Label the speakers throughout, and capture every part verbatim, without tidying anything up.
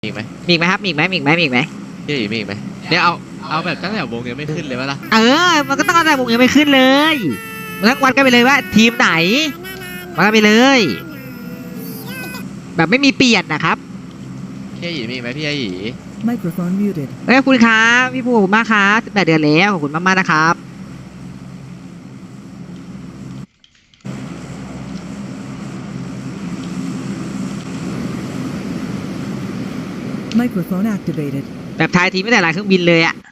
Speaker 1: มีอีกไหม
Speaker 2: มีอีกไหมครับมีอีกไหมมีอีกไหมมีอีกไหม
Speaker 1: พี่มีอีกไหมเนี่ยเอาเอาแบบตั้งแต่วงยังไม่ขึ้นเลยวะล่ะ
Speaker 2: เออมันก็ต้องเอาแต่วงยังไม่ขึ้นเลยมันต้องวัดกันไปเลยว่าทีมไหนวัดกันไปเลย แบบไม่มีเปลี่ยนนะครับ
Speaker 1: พี่หยีมีอีกไหมพี่หยี
Speaker 3: Microphone muted.
Speaker 2: เอ้ยขอบคุณครับพี่ภูขอบคุณมากครับสิบแปดเดือนแล้วขอบคุณมากๆนะครับ
Speaker 3: Microphone activated.
Speaker 2: แบบทายทีมไม่แต่ลายเครื่องบินเลยอ่ะ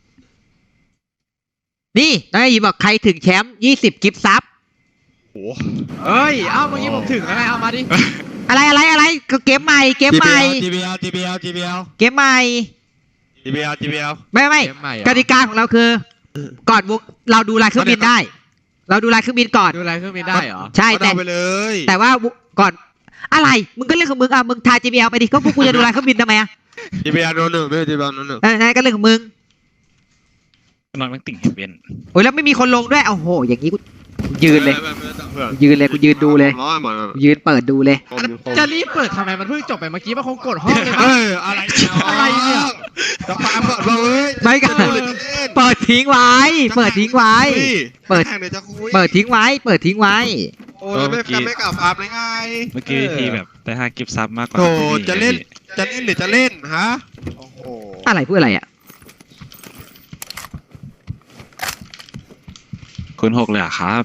Speaker 2: นี่น้องไอ้หยีบอกใครถึงแชมป์ยี่สิบกิฟต์ซับ
Speaker 1: โอ้เอ้ยเอ้าเมื่อกี้ผมถึงแล้วไงเอามาดิ
Speaker 2: อะไรอะไรอะไรก็เกมใหม่เกมใหม่
Speaker 4: จี บี แอล จี บี แอล จี บี แอล
Speaker 2: เกมใหม่
Speaker 4: จี บี แอล จี บี แอล
Speaker 2: ไม่ไม่กติกาของเราคือ ก่อนวงเราดูลายเครื่องบินได้ เราดูลายเครื่องบินก่อน
Speaker 1: ดูอะไรเครื่องบินได้เหรอ
Speaker 2: ใช่แต่
Speaker 4: เอาไปเลย
Speaker 2: แต่ว่าก่อนอะไรมึงก็เรื่องของมึงอ่ะมึงทาย จี บี แอล ไปดิก็พวกกูจะดูลายเครื่องบินทำไมอ่ะ
Speaker 4: จี บี แอล โดนหนึ่งไม่ใช่ จี บี แอล โดนหนึ่ง
Speaker 2: เออนั่นก็เรื่องของมึง
Speaker 5: นอนมันติ่งเวียน
Speaker 2: โอ้ยแล้วไม่มีคนลงด้วยโอ้โหอย่างนี้กูยืนเลย
Speaker 4: ไม่ไม่ไม่ไม่
Speaker 2: กูยืนเลยกูยืนดูเลย
Speaker 4: ร้อยหมดเลย
Speaker 2: กูยืนเปิดดูเลย
Speaker 4: ผมผม
Speaker 1: จะรีบเปิดทำไมมันเพิ่งจบไปเมื่อกี้มันคงกดห้องเลยมั้ง
Speaker 4: เอ้ยอะไรเนี่ย
Speaker 1: อะไรเนี่ย
Speaker 4: จะปาเปิดเลย
Speaker 2: ไม่กัน
Speaker 4: เปิดเล่น
Speaker 2: เปิดทิ้งไว้ เปิดทิ้งไว้ เปิด
Speaker 4: แข่งเดี๋ยวจะคุย
Speaker 2: เปิดทิ้งไว้ เปิดทิ้งไว้
Speaker 4: โอ้ยไม่กันไม่กลับอาบเลยไง
Speaker 5: เมื่อกี้พี่แบบได้ห้ากิฟต์ซับมากกว่า
Speaker 4: โธ่
Speaker 5: พี่
Speaker 4: จะเล่นจะเล่นหรือจะเล่นฮะโอ้โห
Speaker 2: อะไรพูดอะไรอ่ะ
Speaker 5: คุณหกเลยเหรอครับ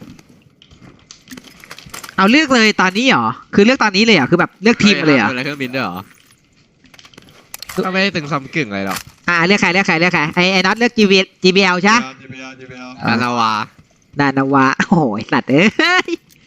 Speaker 2: เอาเลือกเลยตอนนี้เหรอคือเลือกตอนนี้เลยเหรอคือแบบเลือกทีมเลยเหรอ
Speaker 1: ดูอะไรเครื่องบินด้วยเหรอก็ไม่ได้ตึงซ้ำกึ่งอะไรหรอก
Speaker 2: อ่าเลือกใครเลือกใครเลือกใครไอ้ไอ้น็อตเลือก จี บี จี บี แอล ใช่ไหม
Speaker 4: จี บี แอล จี บี แอล
Speaker 1: นานาวา
Speaker 2: นานาวาโอ้โหไอ้สัตว์เอ้ย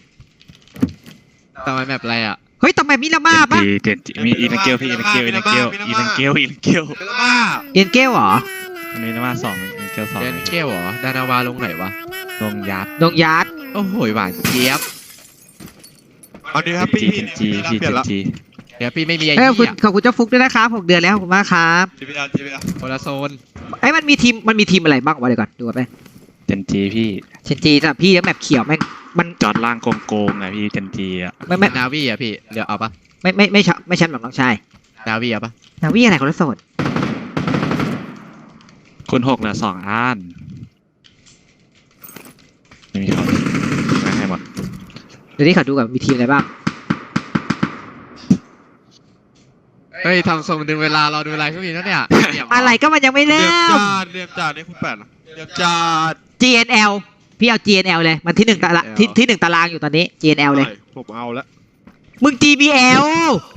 Speaker 1: ทำไมแมปอะไรอ่ะ
Speaker 2: เฮ้ยทำไมมิลาม่าปะ
Speaker 5: เจนจีเจนจีมีอีลังเกลพี่อีลังเกลอีลังเกลอีลังเกลอีลังเกล
Speaker 4: เป็นบ้า
Speaker 2: เอ็นเกลเหรอ
Speaker 5: อันนี้นะมาสองอีลังเกลสอง
Speaker 1: เดนเกลเหรอดานาวาลงไหนวะ
Speaker 5: ลงยัด
Speaker 2: ดงยาร์ด
Speaker 1: โอ้โหหวานเจี๊ยบ
Speaker 4: เอาดีครับ
Speaker 5: เจ
Speaker 4: พี่
Speaker 5: นจีเจนจี
Speaker 4: เปลี่ยน
Speaker 5: เจน
Speaker 4: ละ
Speaker 5: จี
Speaker 1: เดี๋ยวพี่ไม่มีไอ้
Speaker 2: เอ้ยขอบคุณ
Speaker 1: เหี้ย
Speaker 2: ขอบคุณเจ้าฟุกด้วยนะครับหกเดือนแล้วขอบคุณมากครับ
Speaker 4: จี บี แอล จี บี แอล
Speaker 1: คนละโซน
Speaker 2: ไอ้ยมันมีทีมมันมีทีมอะไรบ้างวะเดี๋ยวก่อนดูก่อนไป
Speaker 5: เจนจีพี่
Speaker 2: เชนจีสำหรับพี่แล้วแมปเขียวแม่งมัน
Speaker 5: จอดล่างโกงๆอะพี่เจนจีอะ
Speaker 2: ไม่ไม่
Speaker 1: นาวีอ่ะพี่เดี๋ยวเอาปะ
Speaker 2: ไม่ไม่ไม่ชอบไม่ชันแบบน้องชาย
Speaker 1: นาวีอ่ะปะ
Speaker 2: นาวี่อะไรคนละโสด
Speaker 5: คุณหกเหลือสองอันไม่มีเขาไม่ให้หมด
Speaker 2: เดี๋ยวนี้เขาดูก่อนมีทีมอะไรบ้าง
Speaker 1: เฮ้ยทำทรงดึงเวลารอดูอะไรเครื่องบินแล้วเนี่ย
Speaker 2: อะไรก็มันยังไม่
Speaker 4: เรี
Speaker 2: เริ่
Speaker 4: ยบ
Speaker 2: ม
Speaker 4: จาดเรียบจาดนี่คุณแปดเหรอเรียบจาด
Speaker 2: จี เอ็น แอล พี่เอา จี เอ็น แอล เลยมันที่หนึ่งตารางที่ที่หนึ่งตารางอยู่ตอนนี้ จี เอ็น แอล เลย
Speaker 4: ผมเอาแล้ว
Speaker 2: มึง จี บี แอล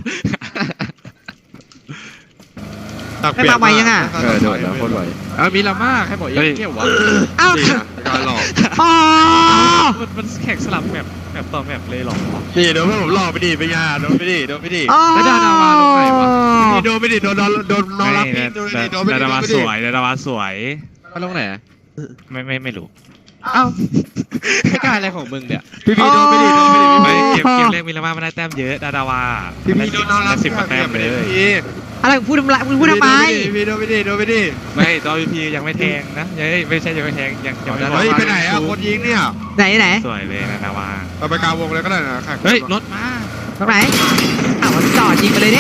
Speaker 2: ไม่มาไวยังอะ
Speaker 1: เออโดดแล้วโคตรไวเออมีลาม่าใครบอกยังเกี่ยววะ
Speaker 2: เอ้า
Speaker 4: นี่นะการหลอก
Speaker 2: อ๋อ
Speaker 5: มันมันแข่งสลับแบบแบบต่อแบบเลยหรอ
Speaker 4: นี่เดี๋ยวเพื่อนผมหลอกไปดิไปงานโดนไปดิโดนไปดิ
Speaker 2: อ๋อ
Speaker 1: แล้วดานาวาลงไหนวะ
Speaker 4: นี่โดนไปดิโดนโดนโดนน้องรับพี่โดนไปดิโดนไปดิ
Speaker 5: ดา
Speaker 4: โด
Speaker 5: ราน วา
Speaker 4: ไป
Speaker 5: ส
Speaker 4: ดิ
Speaker 5: วยดาราวาสวย
Speaker 1: มาลงไหน
Speaker 5: ไม่ไม่ไม่รู้
Speaker 1: เอ้าไม่กล้าอะไรของมึงเนี่ย
Speaker 4: พี่พี่โดนไปดิโดนไปดิ
Speaker 5: ไม่
Speaker 4: พี่
Speaker 5: เกมเกมแรกมีละมาไม่ได้แต้มเยอะดาราวา
Speaker 4: พี่พี่โดนน้องรับ
Speaker 5: สิบกว่าแต้มเลย
Speaker 4: พี่
Speaker 2: อะไรมึงพูดทำไมมึงพูดทำไม
Speaker 4: พี่โดนไปดิโดนไปดิ
Speaker 5: ไม่ตอนพียังไม่แทงนะยังไม่ใช่ยังไม่แทงยังยังไม่
Speaker 4: เฮ้ยไปไหนอะคนยิงเนี่ย
Speaker 2: ไหนไหน
Speaker 5: สวยเลยนะดาวา
Speaker 4: เราไปกลางวงเลยก็ได้นะค่ะ
Speaker 5: เฮ้ยรถมา
Speaker 2: ตรงไหนอ้าวมันจอดยิงไปเลยดิ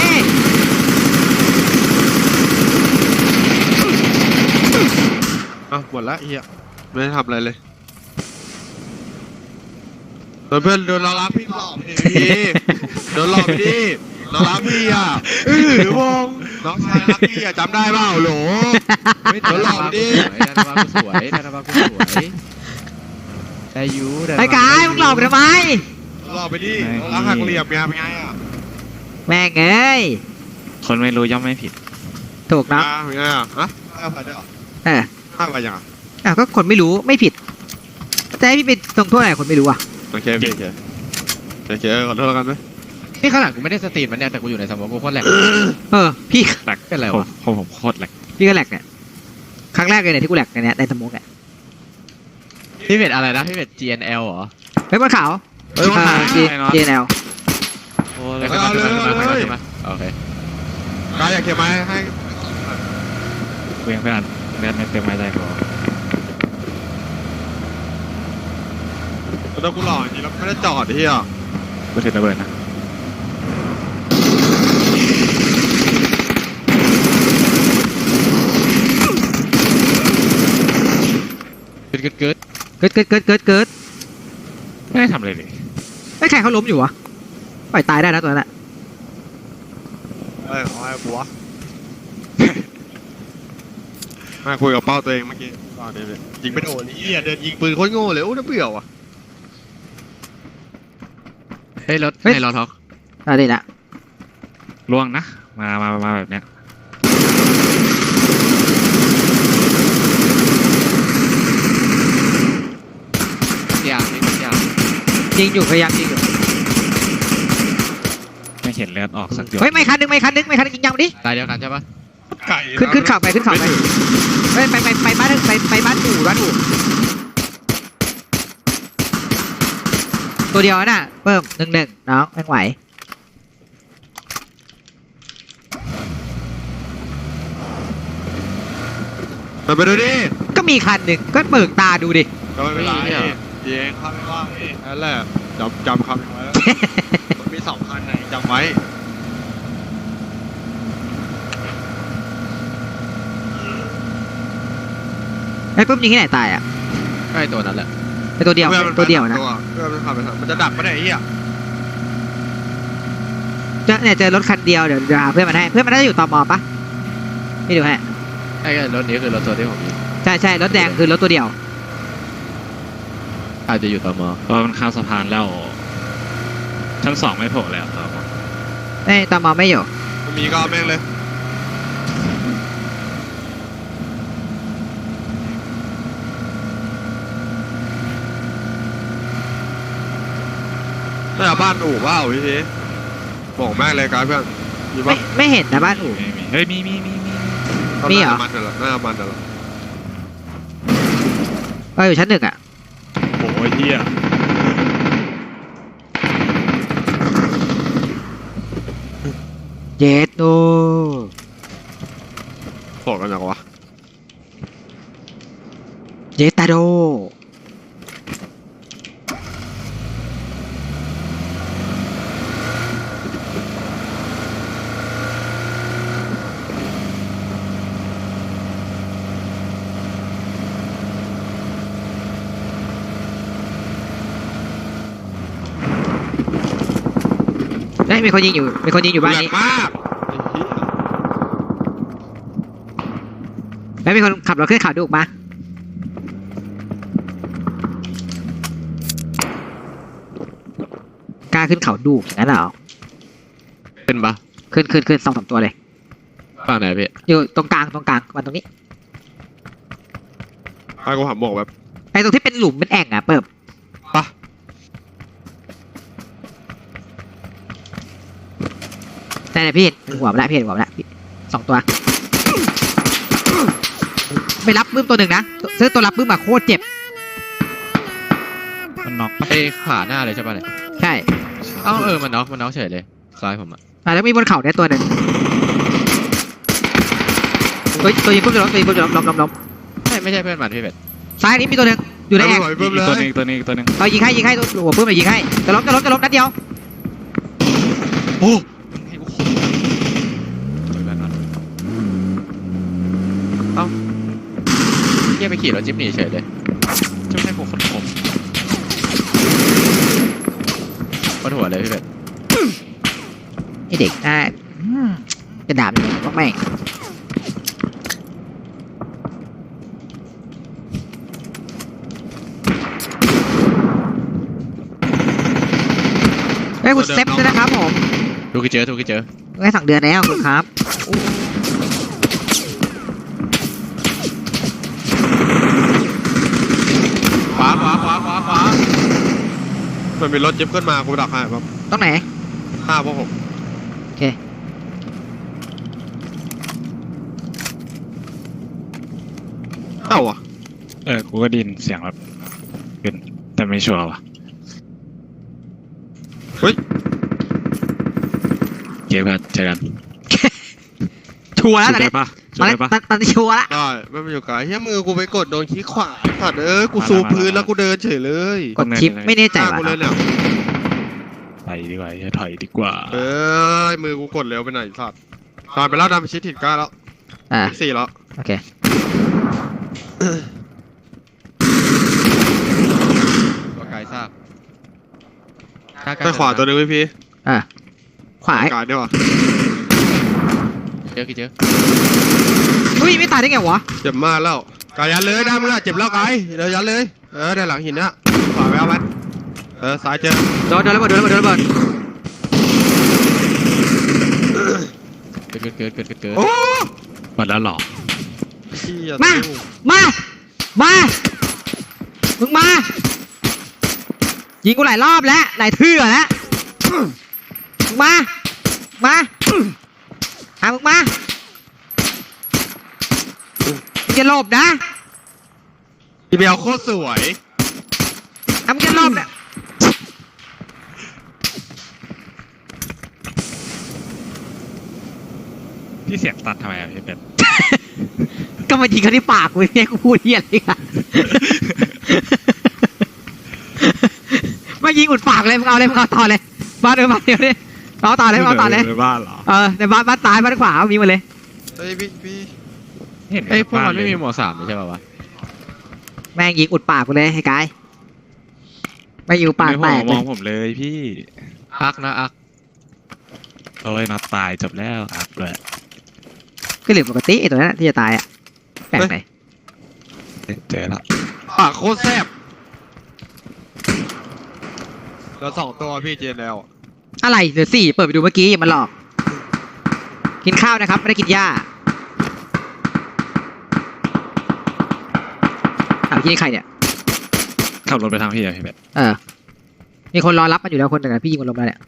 Speaker 4: อ่ะหมดละเฮียไม่ได้ทำอะไรเลยโดนเพื่อนโดนเรารับพี่หลอกไปดิพี่โดนหลอกไปดิเรารับพี่อ่ะเออวงน้องชายรับพี่อ่ะจำได้เปล่าโหล
Speaker 1: ไม่ดานาวากูสวยดานาวากูสวยดานาวากูสวยได้ยูดานาวา
Speaker 2: ไอ้กายมึงหลอกกูทำไม
Speaker 4: หลอกไปดิเราหักเหลี่ยมไงเป็นไงอ่ะ
Speaker 2: แม่งเอ้ย
Speaker 5: คนไม่รู้ย่อมไม่ผิด
Speaker 2: ถูกเนาะ
Speaker 4: อ่าเป็นไงอ่ะฮะห้าพันได้เหรอ
Speaker 2: เออ
Speaker 4: ห้าพันยังอ่ะ
Speaker 2: อ้าวก็คนไม่รู้ไม่ผิดจะให้พี่ไปตรงโทษอะไรคนไม่รู้อ่ะ
Speaker 4: โอเคโอเคโอเคโอเคขอโทษแล้วกันไหม
Speaker 1: นี่ขนาดกูไม่ได้สตรีมมันเนี่ยแต่กูอยู่ในสมองกูโคตรแหลก
Speaker 2: เออพี่
Speaker 5: แหลก
Speaker 1: เป็นไร
Speaker 5: ผม
Speaker 1: วะ
Speaker 5: ผมผมโคตรแหลก
Speaker 2: พี่ก็แหลกเนี่ยครั้งแรกเลยเนี่ยที่กูแหลกเนี่ยในสมองเนี่ย
Speaker 1: พี่เป็ดอะไรนะพี่เป็ด จี เอ็น แอล เหรอ
Speaker 2: เฮ้ยบนเขา
Speaker 4: เฮ้ยวันไหน
Speaker 2: จีเจนแอล
Speaker 5: โอ้
Speaker 1: แล้
Speaker 5: แล้ว ว
Speaker 1: ก็
Speaker 5: ก็
Speaker 1: มาขึ้นมาขึ้นมาขึ้นมาโอเค
Speaker 4: กายอยากเขียนไหมให้
Speaker 5: เวียงเพื่อนเลือดไม่เต็มไม้ใจพอ
Speaker 4: แล้วกูหลอกจริงแล้วไม่ได้จอดที่อ่ะ
Speaker 5: ก็ถือระเบิดนะ
Speaker 1: เกิดเกิดเกิด
Speaker 2: เกิดเกิดเกิดเกิดเกิด
Speaker 5: ไม่ได้ทำอะไรเลย
Speaker 2: ไม่ใครเขาล้มอยู่วะปล่อยตายได้นะตัวนั้นอะ
Speaker 4: เอ้ยเอาไอ้กูวะมาคุยกับเป้าตัวเองเมื่อกี้ตอนนี้เลยยิงไม่โดนนี่เดินยิงปืนโคตรโง่เลยโอ้น่าเบื่อว่ะ
Speaker 1: เฮ้ยรถในรถท็อก
Speaker 2: ได้ดิละ
Speaker 5: ล่วงนะมามามาแบบเนี้ย
Speaker 1: อย่างนี้อย่าง
Speaker 2: ยิงอยู่พยายามยิงอยู่
Speaker 5: ไม่เห็นเลือดออกสักหยด
Speaker 2: เฮ้ยไม่คันนึงไม่คันนึงไม่คันนึงยิงยังดิ
Speaker 1: ตายเดียวกันใช่ปะ
Speaker 4: ไก่
Speaker 2: ขึ้นขึ้นเข่าไปขึ้นเข่าไปเฮ้ยไปไปไปบ้านไปไปบ้านอู่บ้านอู่ตัวเดียวน่ะเพิ่มหนึ่งหนึ่งน้องไม่ไหว
Speaker 4: มันไปดูดิ
Speaker 2: ก็มีคันหนึ่งก็เปิดตาดูดิ
Speaker 4: ก็ไม่เป็นไรเองข้าไม่ว่าเองนั่นแหละจำจำคำไว้มันมีสองคันไหนจำไว้
Speaker 2: ไอ้ปุ๊บยิงที่ไหนตายอ่ะ
Speaker 1: ใช่ตัวนั้นแหละ
Speaker 2: ไอ้ตัวเดียวตัวเดียวนะ
Speaker 4: เพื่อนมันขับไปมันจะดักไม่ได้ไอ้เหี้ย
Speaker 2: เจอเนี่ยเจอรถคันเดียวเดี๋ยวเดี๋ยวหาเพื่อนมันให้เพื่อนมันน่าจะอยู่ตมปะไม่ดูให้
Speaker 1: ไอ้รถนี้คือรถตัวที่ผมยิง
Speaker 2: ใช่ใช่รถแดงคือรถตัวเดียว
Speaker 1: อาจจะอยู่ตม
Speaker 5: เพราะมันข้ามสะพานแล้วชั้นสองไม่โผล่แล้วครับ
Speaker 2: ไม่ตมไม่อยู่
Speaker 4: มันมีก็เอาแม่งเลยน่าบ้านอู่ว่าพี่ทีบอกแม่งเลยการเพื่อนมี
Speaker 2: ไม่
Speaker 4: ปะ
Speaker 2: ไม่เห็นนะบ้านอู่
Speaker 5: ไม่มีเฮ้ยมีมีมีมี
Speaker 2: มีเหรอ
Speaker 4: มันเถอะหน้ามันเถอะ
Speaker 2: เอออยู่ชั้นหนึ่งอ่ะ
Speaker 5: โอ้ยเหี้ย
Speaker 2: เยสโน
Speaker 4: บอกกันอย่างวะ
Speaker 2: เยสตาโดเฮ้ยมีคนยิงอยู่มีคนยิงอยู่บ้านนี้
Speaker 4: มาก
Speaker 2: แล้วมีคนขับรถขึ้นเขาดูกมกล้าขึ้นเขาดูกอย่างนั้นเหรอ
Speaker 1: ขึ้นปะ
Speaker 2: ขึ้นขึ้นขึ้นสองสามตัวเลย
Speaker 1: ฝั่งไหนพี่
Speaker 2: อยู่ตรงกลางตรงกลางวันตรงนี้
Speaker 4: ไอ้กูหันบอกแบบ
Speaker 2: ไอ้ตรงที่เป็นหลุมเป็นแอ่งอ่ะเปิบ
Speaker 4: ปะ
Speaker 2: แต่เนี่ยพี่เห็นหัวมันละพี่เห็นหัวมันละสองตัวไปรับบึ้มตัวหนึ่งนะซื้อตัวรับบึ้มมาโคตรเจ็บ
Speaker 5: มันน็อกปะ
Speaker 1: ไอ้ขาหน้าเลยใช่ปะเนี่ย
Speaker 2: ใช่
Speaker 1: เอ้าเออมันน็อกมันน็อกเฉยเลยซ้ายผมอะ
Speaker 2: อ่ะแล้วมีบนเขาเนี่ยตัวหนึ่งตัวตัวยิงปุ๊บจะล้มตัวยิงปุ๊บจะล้มล้มล้มล้ม
Speaker 1: ไม่ไม่ใช่เพื่อนมันพี่เป็ด
Speaker 2: ซ้ายนี้มีตัวหนึ่งอยู่ในแอ่ง
Speaker 4: เพิ่ม
Speaker 5: อี
Speaker 4: เล
Speaker 5: กตัวย หนึงอีกตัวหนึงอีกตัวหนึง
Speaker 2: เอายิงให้ยิงให้ตัวหัวปื้มเลยยิงให้จะล้มจะล้มจะล้มนัดเดียว
Speaker 4: โอ้
Speaker 1: ให้กูขอเพื่อนมันเอ้าเฮียไปขี่รถจิ๊บหนีเฉยเลย
Speaker 5: จะไม่ใช่พวกคนผม
Speaker 1: ปวดหัวเลยพี่เป็ด
Speaker 2: ไอเด็กอ่ะอืมจะด่ามันว่าไม่งเฮ้ยคุณเซฟด้วยนะครับผม
Speaker 1: ดูกี่เจอดูกี่เจอ
Speaker 2: ไว้สองเดือนแล้วคุณครับ
Speaker 1: ขวาขวาขวาขวาขวา
Speaker 4: มันมีรถเจ็บขึ้นมากูดักให้แบบ
Speaker 2: ตรงไหน
Speaker 4: หน้าพวกผม
Speaker 2: โอเค
Speaker 4: เอ้าวะ
Speaker 5: เออกูก็ไดยินเสียงรถขึ้นแต่ไม่ชัวร์ว่ะ
Speaker 4: เฮ้ย
Speaker 5: เก็บกันเจอกัน
Speaker 2: ชัวร์แล้ว
Speaker 5: ชุด
Speaker 2: ตอน
Speaker 5: ได้
Speaker 2: นี้
Speaker 5: ปะ
Speaker 2: ต
Speaker 5: ชุ
Speaker 2: อ
Speaker 5: ด
Speaker 2: นนี้
Speaker 5: ได้ปะ
Speaker 2: ตอนตอนนี้ชัวร์ละ
Speaker 4: ได้ไม่มาอยู่ไกลเฮียมือกูไปกดโดนขี้ขวาสัตว์เอ้ยกูซูมพื้นแล้วกูเดินเฉยเลย
Speaker 2: กดชิปไม่แน่ใจ
Speaker 4: หน้า
Speaker 2: ว่ะ
Speaker 4: กูเลยเนี่ย
Speaker 5: ไปดีกว่าจะถอยดีกว่า
Speaker 4: เอ้ยมือกูกดเร็วไปหน่อยสัตว์ตายไปแล้วดำไปชิดถิ่นกล้าแล้ว
Speaker 2: อ่า
Speaker 4: สี่แล้ว
Speaker 2: โอเค
Speaker 4: ไปขวาตัวหนึงพี่พี่
Speaker 2: อ่ะขวา
Speaker 4: การดีกว่า
Speaker 1: เจอกี่เจอ
Speaker 2: อุ้ยไม่ตายได้ไงวะ
Speaker 4: เจ็บมากแล้วกายยันเลยได้มึงอะเจ็บแล้วกายเดี๋ยวยันเลยเออได้หลังหินนะขวาไปเอามันเออซ้ายเจอ
Speaker 2: โดนโดนระเบิดโดนระเบิดโดนระเบิด
Speaker 1: เกิดเกิดเกิดเกิดเกิด
Speaker 4: โอ้
Speaker 5: หมดแล้วหรอ
Speaker 4: เหี้ย
Speaker 2: มา มามามึงมายิงกูหลายรอบแล้วหลายเทื่อแล้วมึงมามาหามึงมามึงจะหลบนะ
Speaker 4: อีเบลโคตรสวย
Speaker 2: ทำกันรอบเนี่ย
Speaker 5: พี่เสียงตัดทำไมอะพี่เป็ด
Speaker 2: ก็มายิงเขาที่ปากกูเนี่ยกูพูดเหี้ยอะไรกันมายิงอุดปากเลยมึงเอาเลยมึงเอาต่อเลยบ้านเออบ้านเดียวเลยเอาต่อเลยเอาต่อเลย
Speaker 5: ในบ้านเหรอ
Speaker 2: เออในบ้านบ้านซ้ายบ้านขวามีหมดเลย
Speaker 4: เฮ้ยพี่พี่
Speaker 5: เห็น
Speaker 1: ไอ้ยพวกมัน
Speaker 5: บ้า
Speaker 1: ไม่
Speaker 5: เลย
Speaker 1: มีหมวกสามใช่ป่าวะ
Speaker 2: แม่งยิงอุดปากกูเลยให้กายไม่อยู่ปาก
Speaker 5: ใน
Speaker 2: แต
Speaker 5: หัว
Speaker 2: ก
Speaker 5: ม
Speaker 2: เล
Speaker 5: อง
Speaker 2: ย
Speaker 5: ผมเลยพี่
Speaker 1: อักนะอัก
Speaker 5: โอ้ยน็อตตายจบแล้วอัพเลย
Speaker 2: ก็เหลือปกติไอ้ตัวนั้นที่จะตายอ่ะแปลกไหน
Speaker 5: เจอแล้ว
Speaker 4: ปากโคตรแซ่บเราสองตัวพี่เจนแล้ว
Speaker 2: อะไรเหลือสี่เปิดไปดูเมื่อกี้อย่ามาหลอกกินข้าวนะครับไม่ได้กินหญ้าถามที่นี่ใครเนี่ย
Speaker 5: ขับรถไปทางพี่อะพี่เป็ด
Speaker 2: เออ มีคนรอรับมันอยู่แล้วคนหนึ่งอะพี่ยิงมันลงมาเนี่ย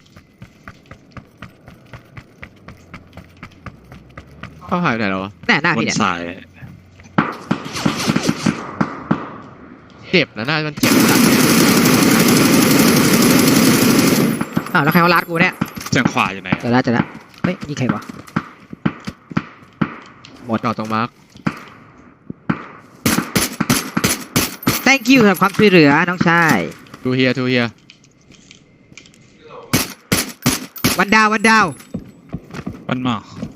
Speaker 1: เขาหายไปไหนแล้ววะ
Speaker 2: แน่หน้า
Speaker 5: บ
Speaker 2: พี่
Speaker 5: น
Speaker 2: เนี่ย
Speaker 5: สาย
Speaker 1: เจ็บนะหน้ามันเจ็บหนัก
Speaker 2: อ้าวแล้วใครเขารัดกูเนี่ย
Speaker 5: เสียงขวาอยู่ไหน
Speaker 2: เจอแล้วเจอแล้วเฮ้ยนี่ใครวะ
Speaker 1: หมดจอดตรงมาร์ค
Speaker 2: thank you สำหรับความช่วยเหลือน้องชาย
Speaker 1: ทูเฮียทูเฮีย
Speaker 2: วันดาววันดาว
Speaker 5: มันหมอ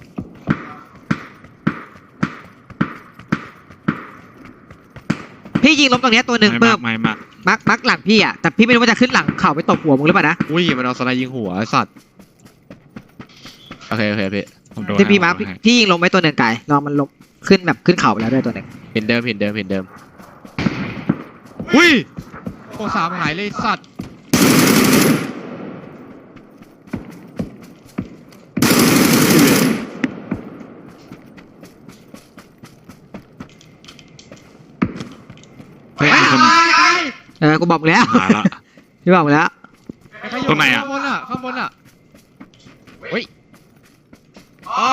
Speaker 2: พี่ยิงล้มตรงเนี้ยตัวหนึ่ง
Speaker 5: ไม่
Speaker 2: เพิ่
Speaker 5: มาม กไม่มาก
Speaker 2: มักมักหลังพี่อะแต่พี่ไม่รู้ว่าจะขึ้นหลังเข่าไปตบหัวมึงหรือเปล่านะ
Speaker 1: อุ้ยมันเอาสไนยิงหัวไอ้สัตว์โอเคโอเคพี่
Speaker 5: ผมโดน
Speaker 2: ที่พี่มาร์ค
Speaker 5: ให้
Speaker 2: พี่ยิงลงไปตัวหนึ่งไก่ลองมันลงขึ้นแบบขึ้นเข่าไปแล้วด้วยตัวหนึ่ง
Speaker 1: เห็นเดิมเห็นเดิมเห็นเดิมอุ้ยโอ้สามหายเลยสัตว์
Speaker 5: เฮ้ยมีคน
Speaker 2: เออกูบอกมึงแล้ว
Speaker 5: มาละ
Speaker 2: พี่บอกมึงแล้ว
Speaker 5: ตรงไหนอะ
Speaker 1: ข้างบนอะข้างบนอะเฮ้ย
Speaker 4: อ๋อ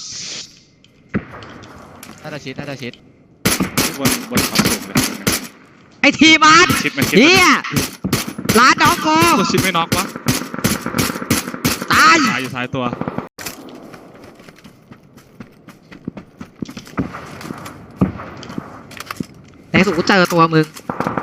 Speaker 1: น่าจะชิดน่าจะชิด
Speaker 5: บนบนความสูงเลย
Speaker 2: ไอทีมาร์
Speaker 5: ชิดมันชิด
Speaker 2: เฮียร้านน้องกู
Speaker 5: ตัวชิดไม่น็อกวะ
Speaker 2: ตาย
Speaker 5: ตายอยู่ซ้ายตัว
Speaker 2: ในสุดกูเจอตัวมึง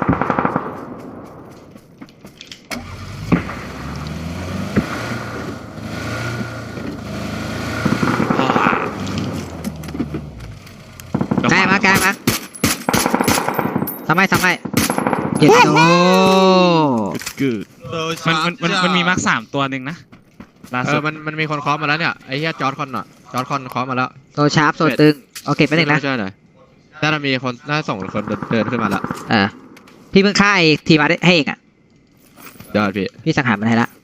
Speaker 2: ใกล้มาใกล้มาทำไมทำไมเจ็ดโต
Speaker 5: กึดมันมันมันมันมีมาร์คสามตัวหนึ่งนะล่า
Speaker 1: เอ
Speaker 5: สุ
Speaker 1: อ
Speaker 5: ด
Speaker 1: มันมันมีคนเคาะมาแล้วเนี่ยไอ้เหี้ยจอร์ดคอนอะจอร์ดคอนเคาะมาแล้ว
Speaker 2: โตชาร์ปโซตึงโอเคไปหนึ่งนะ
Speaker 1: ช่วยหน่อยน่าจะมีคนน่าจะส่งคนเดินขึ้นมาละ
Speaker 2: เออพี่เพิ่งฆ่าไอ้ทีมาได้ให้เองอ่ะ
Speaker 1: เดี๋ยวพี่
Speaker 2: พี่สังหารมันให้ละ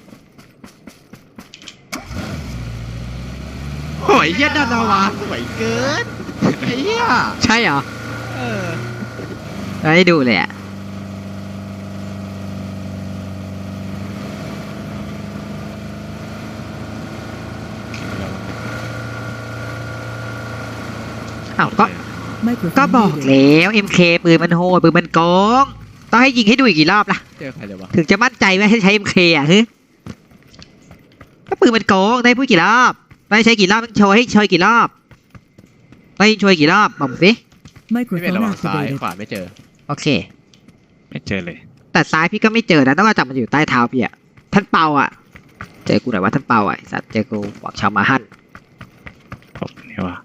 Speaker 1: โอ้ยเหี้ยดานาวาสวยเกินไอ้เหี้ย
Speaker 2: ใช่เหรอ
Speaker 1: เออ
Speaker 2: ไม่ได้ดูเลยอ่ะอ้าวก็
Speaker 3: Microphone
Speaker 2: ก็บอก
Speaker 3: muted.
Speaker 2: แล้ว เอ็ม เค ปืนมันโหดปืนมันโกงต้องให้ยิงให้ดูอีกกี่รอบล่ะ
Speaker 1: เจอใครเลยวะ
Speaker 2: ถึงจะมั่นใจว่าให้ใช้ เอ็ม เค อ่ะฮึก็ปืนมันโกงได้พูดกี่รอบได้ใช้กี่รอบต้องโชว์ให้โชว์กี่รอบได้โชว์กี่รอบบอกสิ
Speaker 1: พี่เป็น
Speaker 3: Microphone
Speaker 1: ระหว่างซ้าย
Speaker 3: activated.
Speaker 1: ขวาไม่เจอ
Speaker 2: โอเค
Speaker 5: ไม่เจอเลย
Speaker 2: แต่ซ้ายพี่ก็ไม่เจอนะต้องมาจับมันอยู่ใต้เท้าพี่อ่ะท่านเปาอ่ะเจอกูหน่อยว่าท่านเปาอ่ะไอ้สัตว์เจอกูบอกชาวมาฮั่น
Speaker 5: ผมนี่ว่า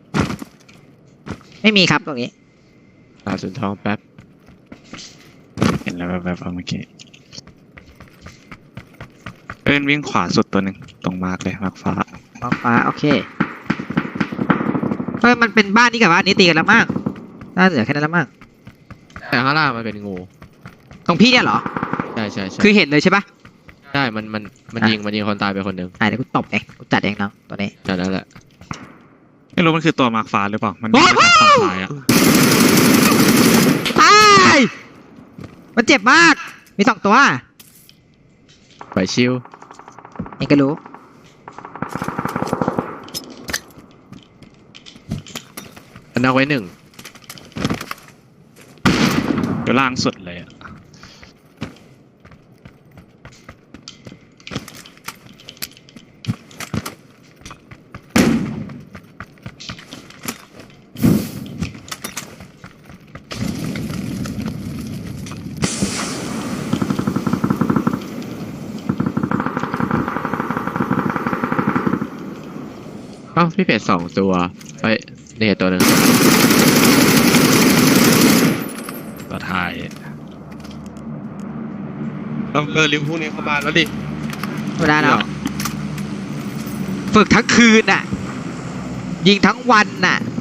Speaker 2: ไม่มีครับตรงนี้
Speaker 1: ตาสุนทองแป๊บ
Speaker 5: เห็นแล้วแบบๆเมื่อกี้เพื่อนวิ่งขวาสุดตัวหนึ่งตรงมาร์กเลยมาร์กฟ้า
Speaker 2: มองฟ้าโอเคเฮ้ยมันเป็นบ้านนี้กับบ้านนี้ตีกันแล้วมากน่าเหลือแค่นั้นแล้วมาก
Speaker 1: แต่ข้างล่างมันเป็นงู
Speaker 2: ตรงพี่เนี่ยเหรอ
Speaker 1: ใช่ใช่ใช่
Speaker 2: คือเห็นเลยใช่ปะ
Speaker 1: ใช่มันมันมัน
Speaker 2: อ่ะ
Speaker 1: ยิงมันยิงคนตายไปคนหนึ่ง
Speaker 2: อ่ะเดี๋ยวกูตบเองกูจัดเองน้องตัวนี้
Speaker 1: แค่นั้นแหละ
Speaker 5: ไม่รู้มันคือตัวมาร์กฟ้าหรือเปล่ามัน
Speaker 2: โอ้
Speaker 5: วิ่ง
Speaker 2: โห
Speaker 5: ไปทางฝั่งซ้ายอะ
Speaker 2: ตายมันเจ็บมากมีสองตัว
Speaker 1: ไปชิว
Speaker 2: นี่ก็รู้
Speaker 1: อันนักไว้หนึ่ง
Speaker 5: อยู่ล่างสุดเลยอะ
Speaker 1: เอ้าพี่เป็ดสองตัวเฮ้ยนี่ตัวหนึ่ง
Speaker 5: ตัวท้าย
Speaker 4: ต้องเออริมพวกนี้เข้ามาแล้วดิ
Speaker 2: ไม่ได้แล้วฝึกทั้งคืนน่ะ ยิงทั้งวันน่ะ